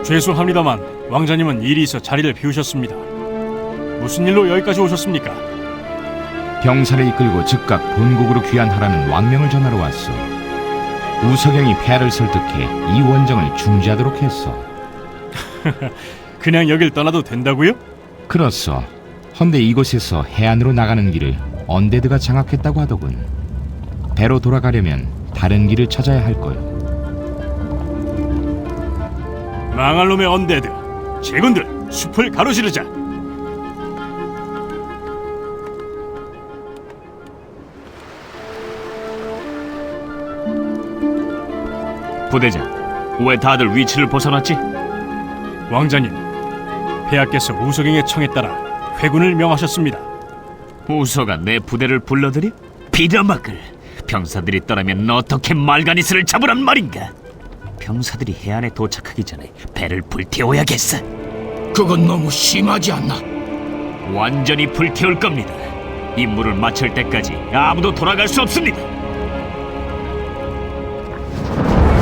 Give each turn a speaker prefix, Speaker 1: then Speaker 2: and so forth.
Speaker 1: 죄송합니다만 왕자님은 일이 있어 자리를 비우셨습니다. 무슨 일로 여기까지 오셨습니까?
Speaker 2: 병사를 이끌고 즉각 본국으로 귀환하라는 왕명을 전하러 왔어. 우석영이 폐하를 설득해 이 원정을 중지하도록 했어.
Speaker 1: 그냥 여길 떠나도 된다고요?
Speaker 2: 그렇소. 헌데 이곳에서 해안으로 나가는 길을 언데드가 장악했다고 하더군. 배로 돌아가려면 다른 길을 찾아야 할 거요.
Speaker 1: 망할 놈의 언데드, 제군들 숲을 가로지르자.
Speaker 3: 부대장, 왜 다들 위치를 벗어났지?
Speaker 1: 왕자님, 폐하께서 우석영의 청에 따라 회군을 명하셨습니다.
Speaker 3: 우서가 내 부대를 불러들여? 비려막을! 병사들이 떠나면 어떻게 말가니스를 잡으란 말인가? 병사들이 해안에 도착하기 전에 배를 불태워야겠어.
Speaker 4: 그건 너무 심하지 않나?
Speaker 3: 완전히 불태울 겁니다. 임무를 마칠 때까지 아무도 돌아갈 수 없습니다.